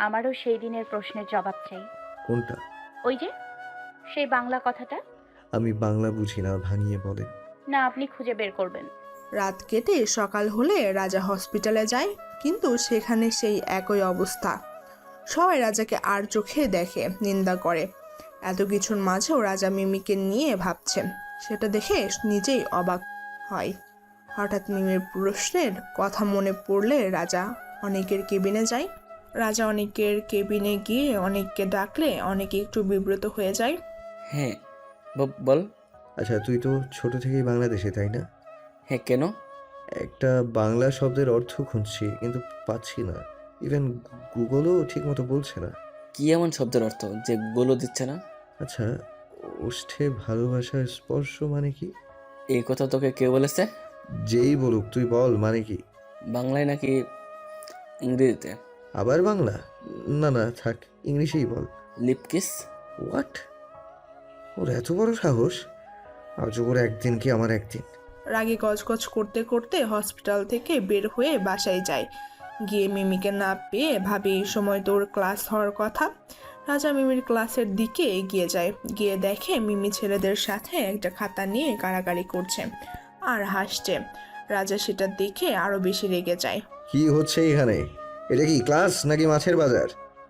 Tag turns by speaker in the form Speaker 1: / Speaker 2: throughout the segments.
Speaker 1: আমারও সেই দিনের প্রশ্নের জবাব চাই।
Speaker 2: কোনটা?
Speaker 1: ওই যে সেই বাংলা কথাটা।
Speaker 2: আমি বাংলা বুঝি না, ভাঙিয়ে বলেন।
Speaker 1: না, আপনি খুঁজে বের করবেন।
Speaker 3: রাত কেটে সকাল হলে রাজা হসপিটালে যায়, কিন্তু সেখানে সেই একই অবস্থা। সবাই রাজাকে আর চোখে দেখে, নিন্দা করে। এত কিছুর মাঝেও রাজা মিমিকে নিয়ে ভাবছে, সেটা দেখে নিজেই অবাক হয়। হঠাৎ মিমির প্রশ্নের কথা মনে পড়লে রাজা অনেকের কেবিনে যায়। রাজা অনেকের কেবিনে গিয়ে অনেককে ডাকলে অনেকে একটু বিব্রত হয়ে যায়।
Speaker 4: হ্যাঁ, বল।
Speaker 2: আচ্ছা, তুই তো ছোট থেকেই বাংলাদেশে, তাই না?
Speaker 4: হ্যাঁ, কেন?
Speaker 2: একটা বাংলা শব্দের অর্থ খুঁজছি, কিন্তু পাচ্ছি না। ইভেন গুগলও ঠিক মতো বলছে না।
Speaker 4: কি এমন শব্দের অর্থ যে গুগলও দিচ্ছে না?
Speaker 2: আচ্ছা, ওষ্ঠে ভালোবাসার স্পর্শ মানে কি?
Speaker 4: এই কথা তোকে কে বলেছে?
Speaker 2: যেই বলুক, তুই বল মানে কি।
Speaker 4: বাংলায় নাকি ইংরেজিতে?
Speaker 2: আবার বাংলা? না না, থাক, ইংলিশেই বল।
Speaker 4: লিপকিস।
Speaker 2: হোয়াট? ওর এত বড় সাহস! আজ ওর একদিন কি আমার একদিন।
Speaker 3: রাগে গজগজ করতে করতে হসপিটাল থেকে বের হয়ে বাসায় যায়। গিয়ে মিমিকে না পেয়ে ভাবে এই সময় তোর ক্লাস হওয়ার কথা। রাজা মিমির ক্লাসের দিকে এগিয়ে যায়, গিয়ে দেখে মিমি ছেলেদের সাথে একটা খাতা নিয়ে কাড়াকাড়ি করছে আর হাসছে। রাজা সেটা দেখে আরো বেশি রেগে যায়।
Speaker 2: কি হচ্ছে এখানে? এটা কি ক্লাস নাকি মাছের বাজার?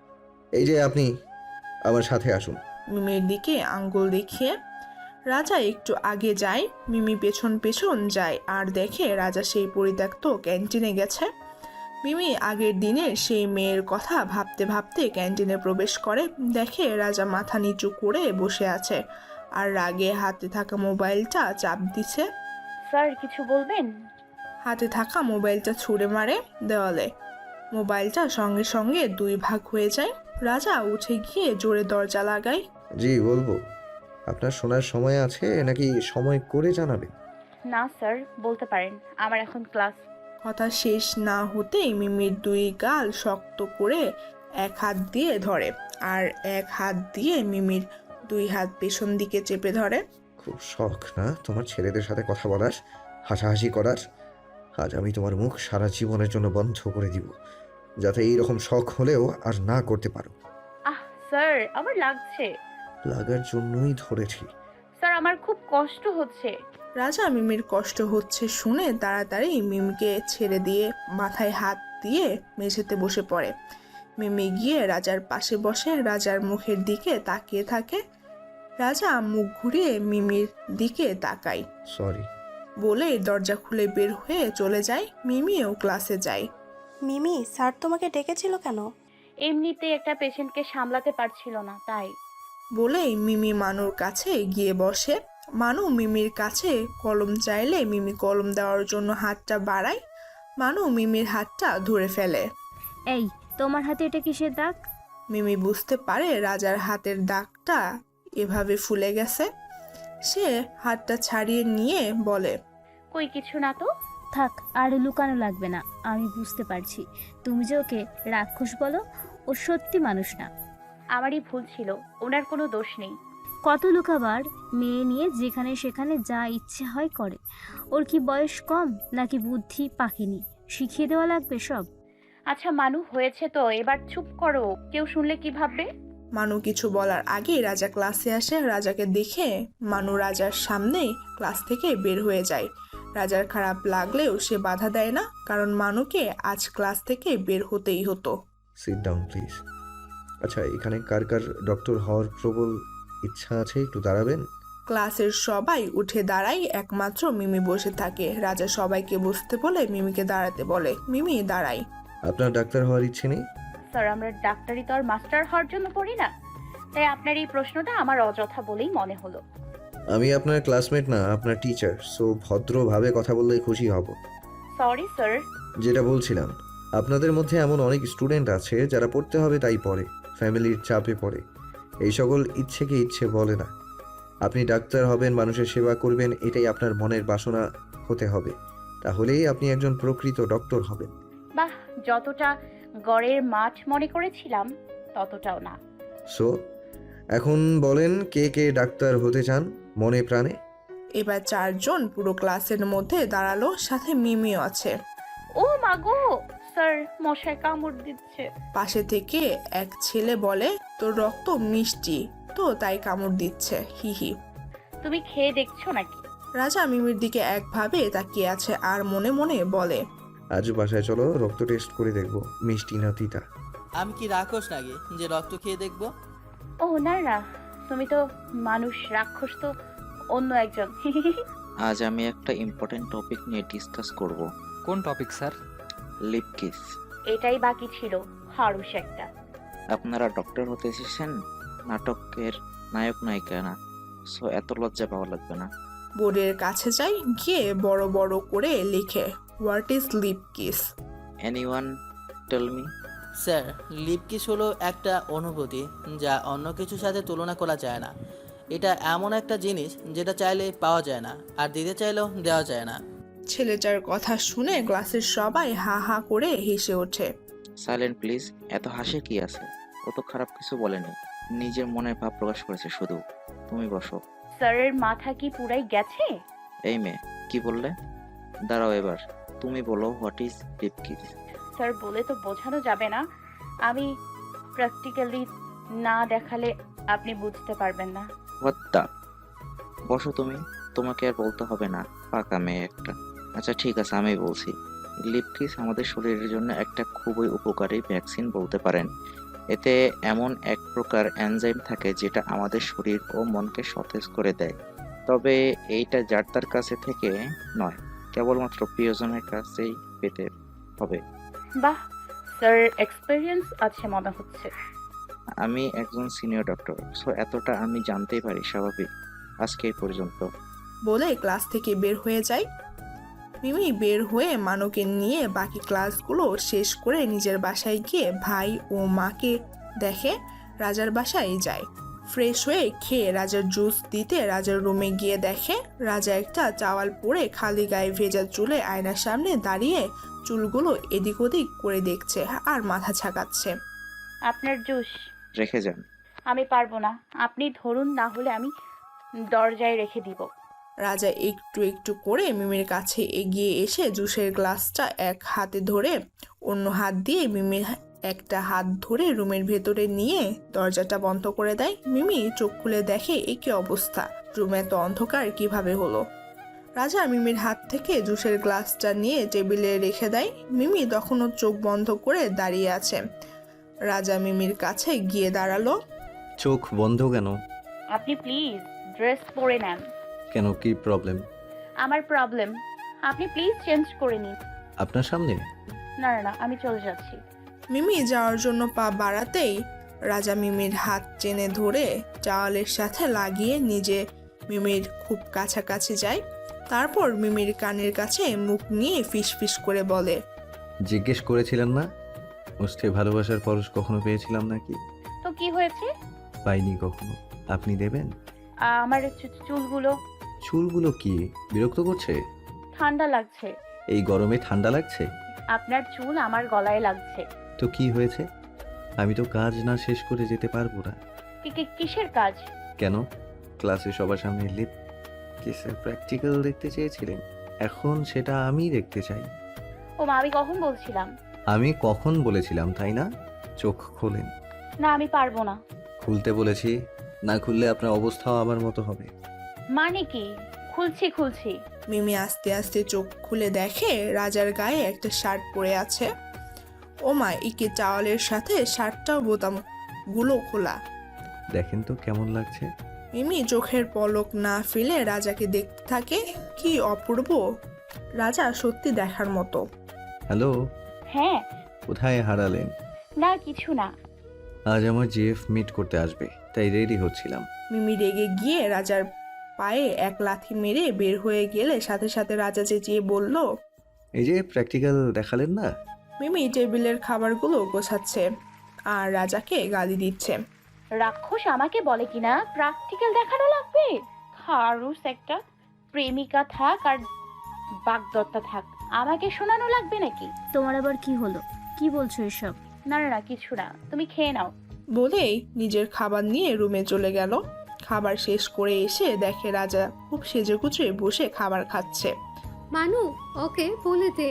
Speaker 2: এই যে আপনি, আমার সাথে আসুন।
Speaker 3: মিমির দিকে আঙ্গুল দেখিয়ে রাজা একটু আগে যায়। মিমি পেছন পেছন যায় আর দেখে রাজা সেই পরিত্যক্ত ক্যান্টিনে গেছে। মিমি আগের দিনের সেই মেয়ের কথা ভাবতে ভাবতে ক্যান্টিনে প্রবেশ করে, দেখে রাজা মাথা নিচু করে বসে আছে আর রাগে হাতে থাকা মোবাইলটা চাপ দিছে।
Speaker 1: স্যার, কিছু বলবেন?
Speaker 3: হাতে থাকা মোবাইলটা ছুঁড়ে মারে দেওয়ালে। মোবাইলটা সঙ্গে সঙ্গে দুই ভাগ হয়ে যায়। রাজা উঠে গিয়ে জোরে দরজা লাগায়।
Speaker 2: জি, বলবো। আপনার শোনার সময় আছে নাকি সময় করে জানাবেন?
Speaker 1: না স্যার, বলতে পারেন, আমার এখন ক্লাস।
Speaker 3: কথা শেষ না হতেই মিমির দুই গাল শক্ত করে এক হাত দিয়ে ধরে আর এক হাত দিয়ে মিমির দুই হাত পেছন দিকে চেপে ধরে।
Speaker 2: খুব শখ না তোমার ছেলেদের সাথে কথা বলার, হাসাহাসি করার? আজ আমি তোমার মুখ সারা জীবনের জন্য বন্ধ করে দিব, যাতে এইরকম শখ হলেও আর না করতে পারো।
Speaker 1: আহ স্যার, আমার লাগছে।
Speaker 2: লাগার জন্যই ধরেছি।
Speaker 1: স্যার, আমার খুব কষ্ট হচ্ছে।
Speaker 3: রাজা মিমির কষ্ট হচ্ছে শুনে তাড়াতাড়ি মিমিকে ছেড়ে দিয়ে মাথায় হাত দিয়ে মেঝেতে বসে পড়ে। মিমি গিয়ে রাজার পাশে বসে রাজার মুখের দিকে তাকিয়ে থাকে। রাজা মুখ ঘুরিয়ে মিমির দিকে তাকায়
Speaker 2: সরি।
Speaker 3: বলে দরজা খুলে বের হয়ে চলে যায়। মিমিও ক্লাসে যায়।
Speaker 5: মিমি, স্যার তোমাকে ডেকেছিল কেন?
Speaker 1: এমনিতে একটা পেশেন্টকে সামলাতে পারছিল না, তাই।
Speaker 3: বলেই মিমি মানুর কাছে গিয়ে বসে। মানু মিমির কাছে কলম চাইলে মিমি কলম দেওয়ার জন্য হাতটা বাড়ায়। মানু মিমির হাতটা ধরে ফেলে।
Speaker 6: এই, তোমার হাতে এটা কিসের দাগ?
Speaker 3: মিমি বুঝতে পারে রাজার হাতের দাগটা এভাবে ফুলে গেছে। সে হাতটা ছাড়িয়ে নিয়ে বলে,
Speaker 1: কই কিছু না তো।
Speaker 6: থাক, আর লুকানো লাগবে না, আমি বুঝতে পারছি তুমি যে ওকে রাক্ষস বলো। ও সত্যি মানুষ না।
Speaker 1: আমারই ভুল ছিল, ওনার কোনো দোষ নেই।
Speaker 6: কত লুকাবার, মেয়ে নিয়ে যেখানে সেখানে যা ইচ্ছে হয় করে। ওর কি বয়স কম নাকি বুদ্ধি পাকেনি? শিখিয়ে দেওয়া লাগবে সব।
Speaker 1: আচ্ছা মানু, হয়েছে তো, এবার চুপ করো, কেউ শুনলে কি ভাববে?
Speaker 3: মানু কিছু বলার আগেই রাজা ক্লাসে আসে। রাজাকে দেখে মানু রাজার সামনেই ক্লাস থেকে বের হয়ে যায়। রাজার খারাপ লাগলেও সে বাধা দেয় না, কারণ মানুকে আজ ক্লাস থেকে বের হতেই হতো।
Speaker 2: Sit down please. আচ্ছা, এখানে কার কার ডক্টর হওয়ার প্রবল ইচ্ছা আছে একটু দাঁড়াবেন?
Speaker 3: ক্লাসের সবাই উঠে দাঁড়ায়, একমাত্র মিমি বসে থাকে। রাজা সবাইকে বসতে বলে মিমিকে দাঁড়াতে বলে। মিমি দাঁড়ায়।
Speaker 2: আপনার ডাক্তার হওয়ার ইচ্ছে নেই?
Speaker 1: স্যার, আমরা ডাক্তারি তো আর মাস্টার হওয়ার জন্য পড়ি না, তাই আপনার এই প্রশ্নটা আমার অযথা বলেই মনে হলো।
Speaker 2: আমি আপনার ক্লাসমেট না, আপনার টিচার, সো ভদ্রভাবে কথা বললে খুশি হব।
Speaker 1: Sorry sir.
Speaker 2: যেটা বলছিলাম, আপনাদের মধ্যে এমন অনেক স্টুডেন্ট আছে যারা পড়তে হবে তাই পড়ে, ফ্যামিলির চাপে পড়ে, এই সকল ইচ্ছেকে ইচ্ছে বলে না। আপনি ডাক্তার হবেন, মানুষের সেবা করবেন, এটাই আপনার মনের বাসনা হতে হবে, তাহলেই আপনি একজন প্রকৃত ডক্টর হবেন।
Speaker 1: বাহ, যতটা গড়ের মাঠ মনে করেছিলাম ততটাও না।
Speaker 2: সো এখন বলেন, কে কে ডাক্তার হতে চান মনে প্রাণে?
Speaker 3: এবার চারজন পুরো ক্লাসের মধ্যে দাঁড়ালো, সাথে মিমিও আছে।
Speaker 1: ও মাগো, স্যার মশায় কামড় দিচ্ছে।
Speaker 3: পাশে থেকে এক ছেলে বলে, তোর রক্ত মিষ্টি তো তাই কামড় দিচ্ছে, হিহি।
Speaker 1: তুমি খেয়ে দেখছো নাকি?
Speaker 3: রাজা মিমির দিকে একভাবে তাকিয়ে আছে আর মনে মনে বলে,
Speaker 2: আজ বাসায় চলো, রক্ত টেস্ট করে দেখবো মিষ্টি না তিতা।
Speaker 7: আমি কি রাক্ষস নাকি যে রক্ত খেয়ে দেখবো?
Speaker 1: ও না না, তুমি তো মানুষ, রাক্ষস তো অন্য একজন।
Speaker 8: আজ আমি একটা ইম্পর্টেন্ট টপিক নিয়ে ডিসকাস করব।
Speaker 9: কোন টপিক স্যার?
Speaker 8: Lip kiss.
Speaker 1: এটাই বাকি ছিল, হারুস একটা।
Speaker 8: আপনারা ডক্টর হতে এসেছেন, নাটকের নায়ক নায়িকা না, সো এত লজ্জা পাওয়া লাগবে না।
Speaker 3: বোর্ডের কাছে যাই, গিয়ে বড় বড় করে লিখে, what is lip kiss?
Speaker 8: Anyone tell me?
Speaker 7: Sir, lip kiss হলো একটা অনুভূতি যা অন্য কিছুর সাথে তুলনা করা যায় না। এটা এমন একটা জিনিস যেটা চাইলে পাওয়া যায় না, আর দিতে চাইলেও দেওয়া যায় না।
Speaker 3: ছেলেটার কথা শুনে ক্লাসের সবাই হা হা করে হেসে ওঠে।
Speaker 8: Silent please. এত হাসি কি আছে? ও তো খারাপ কিছু বলেনি, নিজের মনের ভাব প্রকাশ করেছে শুধু। তুমি বসো।
Speaker 1: স্যারের মাথা কি পুরাই গেছে?
Speaker 8: এই মেয়ে, কি বললে? দাঁড়াও, এবার তুমি বলো, what is lip kiss?
Speaker 1: Sir বলে তো বোঝানো যাবে না, আমি প্র্যাকটিক্যালি না দেখালে আপনি বুঝতে পারবেন না।
Speaker 8: What the? বসো তুমি, তোমাকে আর বলতে হবে না, পাকা মেয়ে একটা। আচ্ছা ঠিক আছে, আমি বলছি। লিপ কিস আমাদের শরীরের জন্য একটা খুবই উপকারী ভ্যাকসিন বলতে পারেন। এতে এমন এক প্রকার এনজাইম থাকে যেটা আমাদের শরীর ও মনকে সতেজ করে দেয়। তবে এইটা যার তার কাছে থেকে নয়, কেবলমাত্র প্রিয়জনের কাছেই পেতে হবে।
Speaker 1: বাহ, স্যার এক্সপেরিয়েন্স আছে মনে হচ্ছে।
Speaker 8: আমি একজন সিনিয়র ডক্টর, সো এতটা আমি জানতেই পারি, স্বাভাবিক। আজকে এই পর্যন্ত।
Speaker 3: বলে ক্লাস থেকে বের হয়ে যায়। মিমি বের হয়ে মানুকে নিয়ে বাকি ক্লাসগুলো শেষ করে নিজের বাসায় গিয়ে ভাই ও মাকে দেখে রাজার বাসায় যায়। ফ্রেশ হয়ে খেয়ে রাজার জুস দিতে রাজার রুমে গিয়ে দেখে রাজা একটা চাওয়াল পরে খালি গায়ে ভেজা চুলে আয়নার সামনে দাঁড়িয়ে চুলগুলো এদিক ওদিক করে দেখছে আর মাথা ঝাঁকাচ্ছে।
Speaker 1: আপনার জুস।
Speaker 8: রেখে যান।
Speaker 1: আমি পারবো না, আপনি ধরুন, না হলে আমি দরজায় রেখে দিব।
Speaker 3: রাজা একটু একটু করে মিমির কাছে এগিয়ে এসে জুসের গ্লাসটা এক হাতে ধরে অন্য হাত দিয়ে মিমির একটা হাত ধরে রুমের ভেতরে নিয়ে দরজাটা বন্ধ করে দেয়। মিমি চোখ খুলে দেখে এ কি অবস্থা, রুমে তো অন্ধকার কিভাবে হলো। রাজা মিমির হাত থেকে জুসের গ্লাসটা নিয়ে টেবিলে রেখে দেয়। মিমি তখনও চোখ বন্ধ করে দাঁড়িয়ে আছে। রাজা মিমির কাছে গিয়ে দাঁড়ালো।
Speaker 2: চোখ বন্ধ কেন?
Speaker 1: আপনি প্লিজ ড্রেস পরে নেন।
Speaker 2: কেন, কি প্রবলেম?
Speaker 1: আমার প্রবলেম, আপনি প্লিজ চেঞ্জ করে নিন।
Speaker 2: আপনার সামনে?
Speaker 1: না না না, আমি চলে যাচ্ছি।
Speaker 3: মিমি যাওয়ার জন্য পা বাড়াতেই রাজা মিমির হাত টেনে ধরে চাওয়ালের সাথে লাগিয়ে নিজে মিমির খুব কাছাকাছি যায়। তারপর মিমির কানের কাছে মুখ নিয়ে ফিসফিস করে বলে,
Speaker 2: জিজ্ঞেস করেছিলেন না মুষ্টি ভালোবাসার পরশ কখনো পেয়েছিলাম নাকি?
Speaker 1: তো কি হয়েছে?
Speaker 2: পাইনি কখনো। আপনি দেবেন?
Speaker 1: আমার চুলগুলো
Speaker 2: চুলগুলো কি বিরক্ত করছে?
Speaker 1: ঠান্ডা লাগছে।
Speaker 2: এই গরমে ঠান্ডা লাগছে?
Speaker 1: আপনার চুল আমার গলায় লাগছে।
Speaker 2: তো কি হয়েছে? আমি তো কাজ না শেষ করে যেতে পারবো না।
Speaker 1: কিসের কাজ?
Speaker 2: কেন, ক্লাসে সবার সামনে লিপ কিসের প্র্যাকটিক্যাল দেখতে চেয়েছিলেন, এখন সেটা আমি দেখতে চাই।
Speaker 1: ও মা, আমি কখন বলছিলাম?
Speaker 2: আমি কখন বলেছিলাম, তাই না? চোখ খোলেন।
Speaker 1: না, আমি পারবো না।
Speaker 2: খুলতে বলেছি, না খুললে আপনার অবস্থাও আমার মতো হবে।
Speaker 1: মানে কি? খুলছি।
Speaker 3: মিমি আস্তে আস্তে চোখ খুলে দেখে রাজার গায়ে একটা শার্ট পরে আছে। ওমা, একে চাওয়ালের সাথে শার্টটাও বোতামগুলো খোলা।
Speaker 2: দেখেন তো কেমন লাগছে।
Speaker 3: মিমি চোখের পলক না ফেলে রাজাকে দেখতে থাকে। কি অপূর্ব! রাজা সত্যি দেখার মতো।
Speaker 2: হ্যালো,
Speaker 1: হ্যাঁ।
Speaker 2: কোথায় হারালেন?
Speaker 1: না কিছু না।
Speaker 2: আজ আমার জিএফ মিট করতে আসবে, তাই রেডি হচ্ছিলাম।
Speaker 3: মিমি রেগে গিয়ে রাজার পায়ে এক লাথি মেরে বের হয়ে গেলে সাথে সাথে রাজা চেঁচিয়ে বলল,
Speaker 2: এই যে প্র্যাকটিক্যাল দেখালেন না?
Speaker 3: মিমি টেবিলের খাবারগুলো গোছাচ্ছে আর রাজাকে গালি দিচ্ছে।
Speaker 1: রাক্ষস আমাকে বলে কিনা প্র্যাকটিক্যাল দেখানো লাগবে? খারুস একটা। প্রেমিকা থাক আর বাগদত্তা থাক, আমাকে শোনানো লাগবে নাকি?
Speaker 6: তোমার আবার কি হলো? কি বলছো এসব?
Speaker 1: না না না, কিছু না, তুমি খেয়ে নাও।
Speaker 3: বলেই নিজের খাবার নিয়ে রুমে চলে গেল। খাবার শেষ করে এসে দেখে রাজা খুব সেজেগুজে বসে খাবার খাচ্ছে।
Speaker 10: মানু, ওকে বলে দে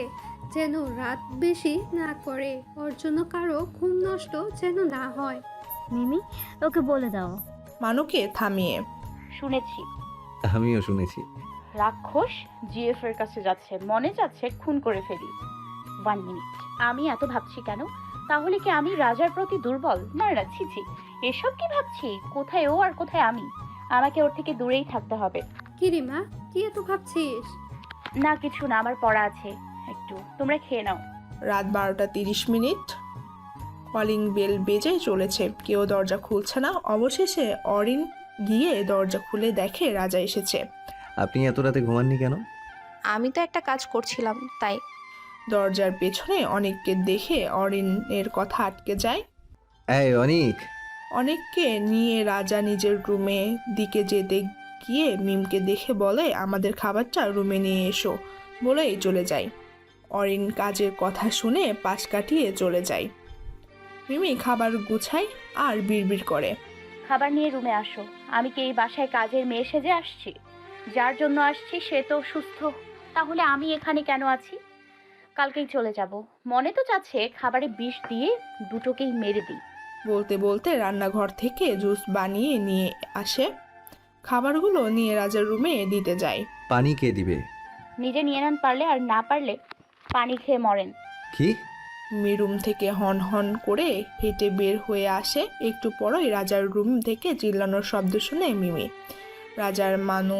Speaker 9: যেন রাত বেশি না করে, ওর জন্য কারো ঘুম নষ্ট যেন না হয়।
Speaker 6: মিমি, ওকে বলে দাও।
Speaker 3: মানুকে থামিয়ে
Speaker 1: শুনেছি
Speaker 2: আমিও শুনেছি।
Speaker 1: রাক্ষস জিএফ এর কাছে যাচ্ছে, মনে যাচ্ছে খুন করে ফেলি। 1 মিনিট, আমি এত ভাবছি কেন? তাহলে কি আমি রাজার প্রতি দুর্বল? না না, ছি ছি, এসব কি ভাবছি? কোথায় ও আর কোথায় আমি? আমাকে ওর থেকে দূরেই থাকতে হবে।
Speaker 9: কি রে মা, কি এত ভাবছিস?
Speaker 1: না কিছু না, আমার পড়া আছে একটু, তোমরা খেয়ে নাও।
Speaker 3: রাত 12:30। কলিং বেল বেজে চলেছে, কেউ দরজা খুলছে না। অবশেষে অরিন গিয়ে দরজা খুলে দেখে রাজা এসেছে।
Speaker 2: আপনি এত রাতে ঘুমাননি কেন?
Speaker 10: আমি তো একটা কাজ করছিলাম তাই।
Speaker 3: দরজার পেছনে অনেককে দেখে অরিনের কথা আটকে যায়।
Speaker 2: এই অনিক।
Speaker 3: অনেককে নিয়ে রাজা নিজের রুমে দিকে যেতে গিয়ে মিমকে দেখে বলে, আমাদের খাবারটা রুমে নিয়ে এসো, বলেই চলে যায়। অরিন কাজের কথা শুনে পাশ কাটিয়ে চলে যায়। মিমি খাবার গুছায় আর বিড়বিড় করে,
Speaker 1: খাবার নিয়ে রুমে আসো। আমি কি এই বাসায় কাজের মেয়ে সেজে আসছি? যার জন্য আসছি সে তো সুস্থ, তাহলে আমি এখানে কেন আছি? কালকেই চলে যাব। মনে তো চাচ্ছে খাবারে বিষ দিয়ে দুটোকেই মেরে দিই।
Speaker 3: বলতে বলতে রান্নাঘর থেকে জুস বানিয়ে নিয়ে আসে। খাবারগুলো নিয়ে রাজার রুমে দিতে যায়।
Speaker 2: পানি কে দিবে?
Speaker 1: নিজে নিয়ে নেন পারলে, আর না পারলে পানি খেয়ে মরেন।
Speaker 2: কি?
Speaker 3: রুম থেকে হন হন করে হেঁটে বের হয়ে আসে। একটু পরই রাজার রুম থেকে চিল্লানোর শব্দ শুনে মিমি, রাজার মানু,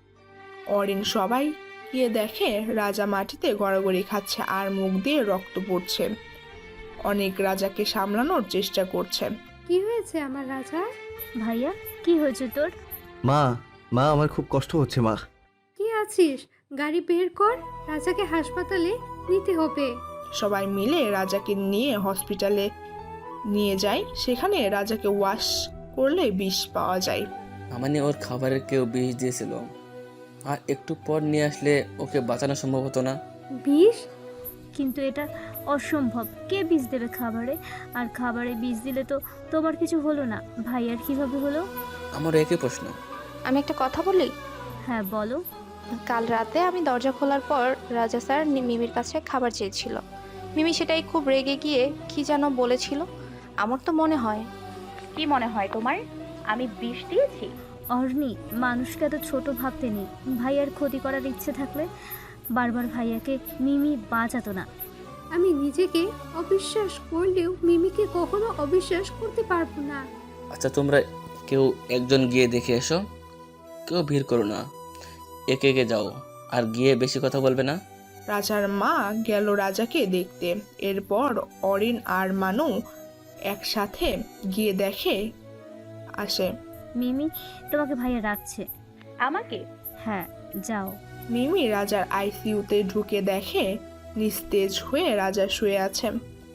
Speaker 3: অরিন সবাই গিয়ে দেখে রাজা মাটিতে গড়াগড়ি খাচ্ছে আর মুখ দিয়ে রক্ত পড়ছে। অনেক রাজাকে সামলানোর চেষ্টা করছে।
Speaker 9: কি হয়েছে আমার রাজা?
Speaker 6: ভাইয়া, কি হয়েছে তোর?
Speaker 2: মা, মা আমার খুব কষ্ট হচ্ছে মা।
Speaker 9: কি আছিস? গাড়ি বের কর, রাজাকে হাসপাতালে নিতে হবে।
Speaker 3: সবাই মিলে রাজাকে নিয়ে হসপিটালে নিয়ে যায়। সেখানে রাজাকে ওয়াশ করলে বিষ পাওয়া যায়।
Speaker 4: মানে ওর খাবারের কেউ বিষ দিয়েছিল, আর একটু পর নিয়ে আসলে ওকে বাঁচানো সম্ভব হতো না।
Speaker 9: বিষ?
Speaker 6: কিন্তু এটা অসম্ভব। কে বিষ দেবে খাবারে? আর খাবারে বিষ দিলে তো তোমার কিছু হলো না, ভাইয়ার কিভাবে হলো?
Speaker 4: আমার একই প্রশ্ন।
Speaker 10: আমি একটা কথা বলি?
Speaker 6: হ্যাঁ বলো।
Speaker 10: কাল রাতে আমি দরজা খোলার পর রাজা স্যার মিমির কাছে খাবার চেয়েছিল। মিমি সেটাই খুব রেগে গিয়ে কি যেন বলেছিল। আমার তো মনে হয়।
Speaker 1: কি মনে হয় তোমার? আমি বিষ দিয়েছি?
Speaker 6: অর্নি, মানুষকে এত ছোট ভাবতে নেই। ভাইয়ার ক্ষতি করার ইচ্ছে থাকলে বারবার ভাইয়াকে মিমি বাঁচাতো না।
Speaker 9: আমি নিজেকে অবিশ্বাস করলেও মিমিকে কখনো অবিশ্বাস করতে পারবো না।
Speaker 4: আচ্ছা, তোমরা কেউ একজন গিয়ে দেখে এসো, কেউ ভিড় করো না, একে একে যাও, আর গিয়ে বেশি কথা বলবে না।
Speaker 3: রাজার মা গেল রাজাকে দেখতে। এরপর অরিন আর মানু একসাথে গিয়ে দেখে আসে।
Speaker 6: মিমি, তোমাকে ভাইয়া রাখছে।
Speaker 1: আমাকে?
Speaker 6: হ্যাঁ, যাও।
Speaker 3: মিমি রাজার আইসিইউতে ঢুকে দেখে নিস্তেজ হয়ে রাজা শুয়ে আছে।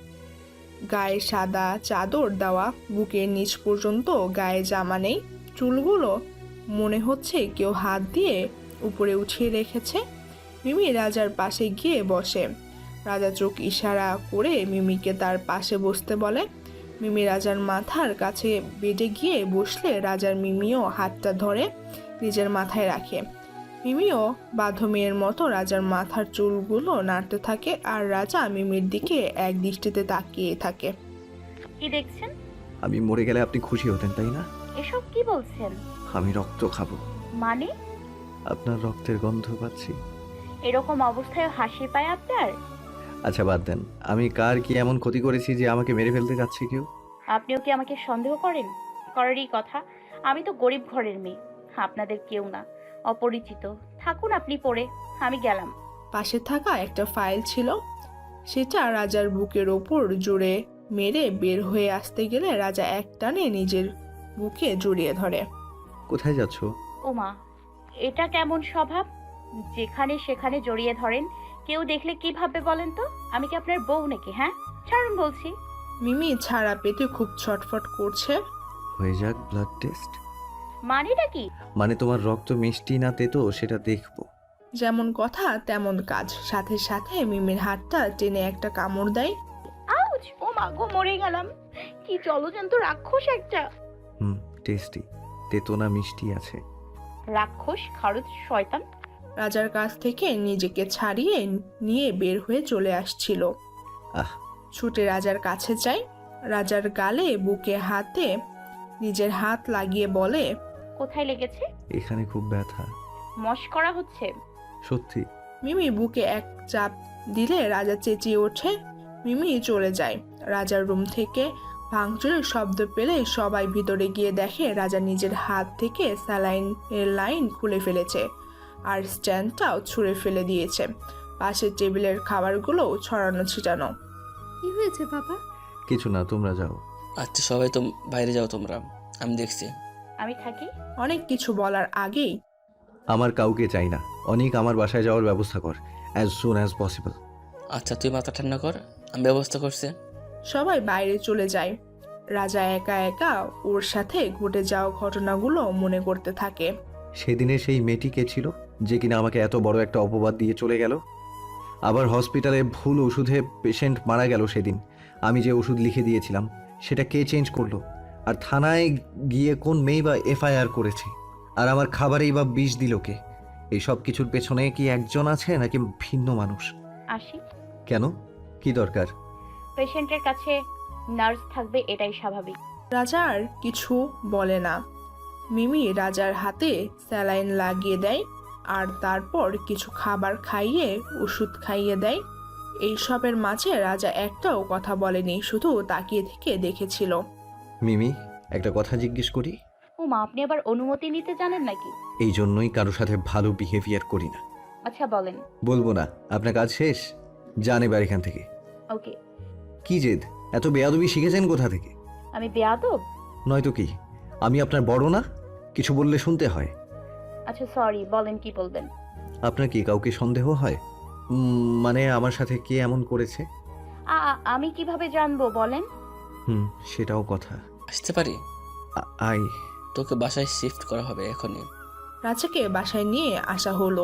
Speaker 3: গায়ে সাদা চাদর দেওয়া, বুকের নিচ পর্যন্ত গায়ে জামা নেই। চুলগুলো মনে হচ্ছে কেউ হাত দিয়ে উপরে উঠিয়ে রেখেছে। মিমি রাজার পাশে গিয়ে বসে। রাজা চোখ ইশারা করে মিমিকে তার পাশে বসতে বলে। মিমি রাজার মাথার কাছে বেডে গিয়ে বসলে রাজার মিমিও হাতটা ধরে নিজের মাথায় রাখে। মিমিও বাধ্য মেয়ের মতো রাজার মাথার চুলগুলো নাড়তে থাকে আর রাজা মিমির দিকে এক দৃষ্টিতে তাকিয়ে থাকে।
Speaker 1: কি দেখছেন?
Speaker 2: আমি মরে গেলে আপনি খুশি হতেন তাই না?
Speaker 1: এসব কি বলছেন?
Speaker 2: আমি রক্ত খাবো।
Speaker 1: মানে?
Speaker 2: আপনার রক্তের গন্ধ পাচ্ছি।
Speaker 1: এরকম অবস্থায় হাসি পায় আপনার?
Speaker 2: আচ্ছা বাদ দেন, আমি কার কি এমন ক্ষতি করেছি যে আমাকে মেরে ফেলতে যাচ্ছে কেউ?
Speaker 1: আপনিও কি আমাকে সন্দেহ করেন? করারই কথা। আমি তো গরিব ঘরের মেয়ে, আপনাদের কেউ না, অপরিচিত। থাকুন আপনি পড়ে, আমি গেলাম।
Speaker 3: পাশে থাকা একটা ফাইল ছিল, সেটা রাজার বুকের ওপর জোরে মেরে বের হয়ে আসতে গেলে রাজা এক টানে নিজের বুকে জড়িয়ে ধরে।
Speaker 2: কোথায় যাচ্ছ?
Speaker 1: ওমা, এটা কেমন স্বভাব? যেখানে সেখানে জড়িয়ে ধরেন, কেউ দেখলে কি ভাববে বলেন তো? আমি কি আপনার বউ নাকি? হ্যাঁ, ছাড়ুন বলছি।
Speaker 3: মিমি ছাড়া পেতে খুব ছটফট করছে।
Speaker 2: হয়ে যাক ব্লাড টেস্ট।
Speaker 1: মানেটা কি?
Speaker 2: মানে তোমার রক্ত মিষ্টি না তেতো সেটা দেখবো।
Speaker 3: যেমন কথা তেমন কাজ। সাথে সাথে মিমির হাতটা টেনে একটা কামড় দেয়।
Speaker 1: আউচ! ও মা গো, মরে গেলাম। কি জলজন্ত রাক্ষস একটা।
Speaker 2: টেস্টি। তেতো না মিষ্টি আছে?
Speaker 1: রাক্ষস, খারুদ, শয়তান।
Speaker 3: রাজার কাছ থেকে নিজেকে ছাড়িয়ে নিয়ে বের হয়ে চলে আসছিল।
Speaker 2: আহ
Speaker 3: ছুটে রাজার কাছে যায়, রাজার গালে বুকে হাতে নিজের হাত লাগিয়ে বলে,
Speaker 1: কোথায় লেগেছে?
Speaker 2: এখানে খুব ব্যথা।
Speaker 1: মশকরা হচ্ছে?
Speaker 2: সত্যি?
Speaker 3: মিমি বুকে এক চাপ দিলে রাজা চেঁচিয়ে ওঠে। মিমি চলে যায়। রাজার রুম থেকে ভাঙচুরের শব্দ পেলে সবাই ভিতরে গিয়ে দেখে রাজা নিজের হাত থেকে স্যালাইন এর লাইন খুলে ফেলেছে আর স্ট্যান্ডটাও ছুঁড়ে ফেলে দিয়েছে। পাশের টেবিলের খাবারগুলো ছড়ানো ছিটানো।
Speaker 9: কি হয়েছে বাবা?
Speaker 2: কিছু না, তোমরা যাও।
Speaker 4: আচ্ছা সবাই তো বাইরে যাও তোমরা, আমি দেখছি।
Speaker 1: আমি থাকি।
Speaker 3: অনেক কিছু বলার আগেই
Speaker 2: আমার কাউকে চাই না। অনেক আমার বাসায় যাওয়ার ব্যবস্থা কর, অ্যাজ সুন অ্যাজ পসিবল।
Speaker 4: আচ্ছা তুই মাথা ঠান্ডা কর, আমি ব্যবস্থা করছি।
Speaker 3: সবাই বাইরে চলে যায়। রাজা একা একা ওর সাথে ঘটে যাওয়া ঘটনাগুলো মনে করতে থাকে।
Speaker 2: সেদিনে সেই মেয়েটি কে ছিল যে কিনা আমাকে এত বড় একটা অপবাদ দিয়ে চলে গেল? আবার হসপিটালে ভুল ওষুধে পেশেন্ট মারা গেল সেদিন। আমি যে ওষুধ লিখে দিয়েছিলাম সেটা কে চেঞ্জ করলো? আর থানায় গিয়ে কোন মেয়ে বা এফআইআর করেছে? আর আমার খাবারেই বা বিষ দিল কে? এই সব কিছুর পেছনে কি একজন আছে নাকি ভিন্ন মানুষ?
Speaker 1: আসি।
Speaker 2: কেন? কি দরকার?
Speaker 1: পেশেন্টের কাছে নার্স থাকবে, এটাই স্বাভাবিক।
Speaker 3: রাজা আর কিছু বলে না। মিমি রাজার হাতে স্যালাইন লাগিয়ে দেয় আর তারপর কিছু খাবার খাইয়ে ওষুধ খাইয়ে দেয়। এই সবের মাঝে রাজা একটাও কথা বলেনি, শুধু তাকিয়ে থেকে দেখেছিল।
Speaker 2: মিমি, একটা কথা জিজ্ঞেস করি?
Speaker 1: মা, আপনি আবার অনুমতি নিতে জানেন নাকি?
Speaker 2: এই জন্যই কারোর সাথে ভালো বিহেভিয়ার করি না।
Speaker 1: আচ্ছা বলেন।
Speaker 2: বলবো না। আপনার কাজ শেষ, যান এবার এখান থেকে।
Speaker 1: ওকে।
Speaker 2: কি জেদ? এত বেয়াদবি শিখেছেন কোথা থেকে?
Speaker 1: আমি বেয়াদব?
Speaker 2: নয়তো কি? আমি আপনার বড় না? কিছু বললে শুনতে হয়।
Speaker 1: আচ্ছা সরি, বলেন কি বলবেন।
Speaker 2: আপনার কি কাউকে সন্দেহ হয়? মানে আমার সাথে কে এমন করেছে?
Speaker 1: আমি কিভাবে জানবো বলেন?
Speaker 2: সেটাও কথা।
Speaker 4: আসতে পারি?
Speaker 2: আই।
Speaker 4: তোকে বাসায় শিফট করা হবে এখনই।
Speaker 3: রাজাকে বাসায় নিয়ে আসা হলো।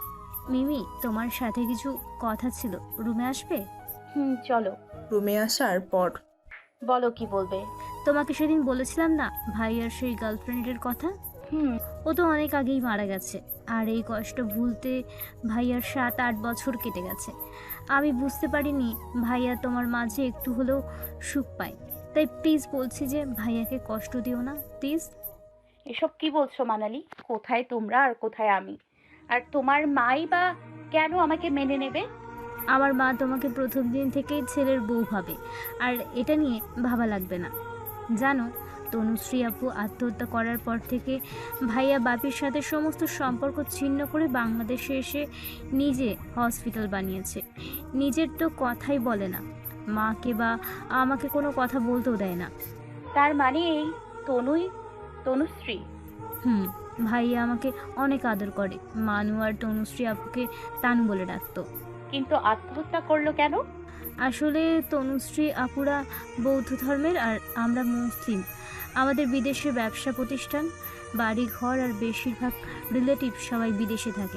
Speaker 6: মিমি, তোমার সাথে কিছু কথা ছিল, রুমে আসবে?
Speaker 1: চলো।
Speaker 3: রুমে আসার পর
Speaker 1: বলো কি বলবে।
Speaker 6: তোমাকে সেদিন বলেছিলাম না ভাইয়ার সেই গার্লফ্রেন্ডের কথা? ও তো অনেক আগেই মারা গেছে। আর এই কষ্ট ভুলতে ভাইয়ার 7-8 বছর কেটে গেছে। আমি বুঝতে পারিনি ভাইয়া তোমার মাঝে একটু হলেও সুখ পায়। তাই প্লিজ বলছি যে ভাইয়াকে কষ্ট দিও না, প্লিজ।
Speaker 1: এসব কি বলছো মানালি? কোথায় তোমরা আর কোথায় আমি? আর তোমার মাই বা কেন আমাকে মেনে নেবে?
Speaker 6: আমার মা তোমাকে প্রথম দিন থেকেই ছেলের বউ ভাবে, আর এটা নিয়ে ভাবা লাগবে না। জানো, তনুশ্রী আপু আত্মহত্যা করার পর থেকে ভাইয়া বাপির সাথে সমস্ত সম্পর্ক ছিন্ন করে বাংলাদেশে এসে নিজে হসপিটাল বানিয়েছে। নিজের তো কথাই বলে না, মাকে বা আমাকে কোনো কথা বলতেও দেয় না।
Speaker 1: তার মানে এই তনুশ্রী?
Speaker 6: ভাইয়া আমাকে অনেক আদর করে। মানু আর তনুশ্রী আপুকে তানু বলে ডাকতো।
Speaker 1: কিন্তু আত্মহত্যা করলো কেন?
Speaker 6: আসলে তনুশ্রী আপুরা বৌদ্ধ ধর্মের আর আমরা মুসলিম। আমাদের বিদেশে ব্যবসা প্রতিষ্ঠান, বাড়ি ঘর আর বেশিরভাগ রিলেটিভ সবাই বিদেশে থাকে।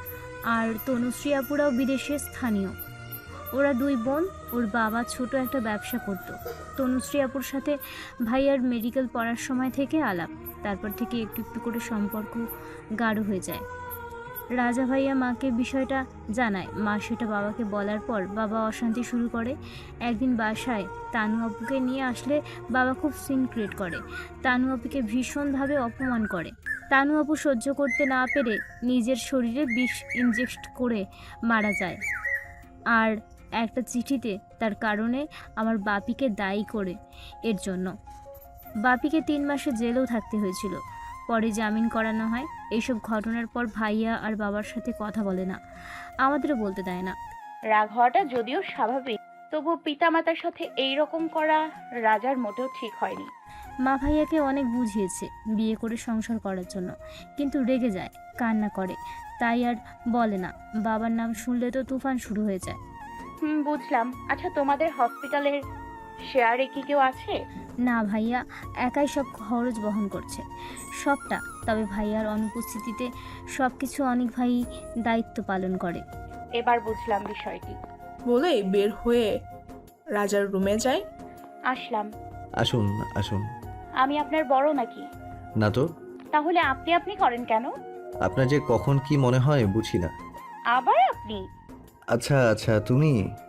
Speaker 6: আর তনুশ্রী আপুরাও বিদেশে স্থানীয়। ওরা 2 বোন। ওর বাবা ছোট একটা ব্যবসা করতো। তনুশ্রী আপুর সাথে ভাইয়ার মেডিকেল পড়ার সময় থেকে আলাপ। তারপর থেকে একটু একটু করে সম্পর্ক গাঢ় হয়ে যায়। রাজা ভাইয়া মাকে বিষয়টা জানায়। মা সেটা বাবাকে বলার পর বাবা অশান্তি শুরু করে। একদিন বাসায় তানু আপুকে নিয়ে আসলে বাবা খুব সিন ক্রিয়েট করে। তানু আপুকে ভীষণভাবে অপমান করে। তানু আপু সহ্য করতে না পেরে নিজের শরীরে বিষ ইনজেক্ট করে মারা যায়। আর একটা চিঠিতে তার কারণে আমার বাপিকে দায়ী করে এর জন্য। বাপিকে 3 মাসে জেলেও থাকতে হয়েছিল। পরে জামিন করানো হয়। এইসব ঘটনার পর ভাইয়া আর বাবার সাথে কথা বলে না, আমাদেরও বলতে দেয় না।
Speaker 1: রাগ হওয়াটা যদিও স্বাভাবিক, তবু পিতামাতার সাথে এই রকম করা রাজার মোটেও ঠিক হয়নি।
Speaker 6: মা ভাইয়াকে অনেক বুঝিয়েছে বিয়ে করে সংসার করার জন্য, কিন্তু রেগে যায়, কান্না করে, তাই আর বলে না। বাবার নাম শুনলে তো তুফান শুরু হয়ে যায়।
Speaker 1: বুঝলাম। আচ্ছা, তোমাদের হসপিটালের শেয়ারে কি কেউ আছে?
Speaker 6: না, ভাইয়া একাই সব খরচ বহন করছে, সবটা। তবে ভাইয়ার অনুপস্থিতিতে সব কিছু অনেক ভাই দায়িত্ব পালন করে।
Speaker 1: এবার বুঝলাম বিষয়টি।
Speaker 3: বলে বের হয়ে রাজার রুমে যায়।
Speaker 1: আসলাম।
Speaker 2: আসুন আসুন।
Speaker 1: আমি আপনার বড় নাকি?
Speaker 2: না তো।
Speaker 1: তাহলে আপনি করেন কেন?
Speaker 2: আপনার যে কখন কি মনে হয় বুঝি না।
Speaker 1: আবার আপনি?
Speaker 2: আচ্ছা আচ্ছা, তুমি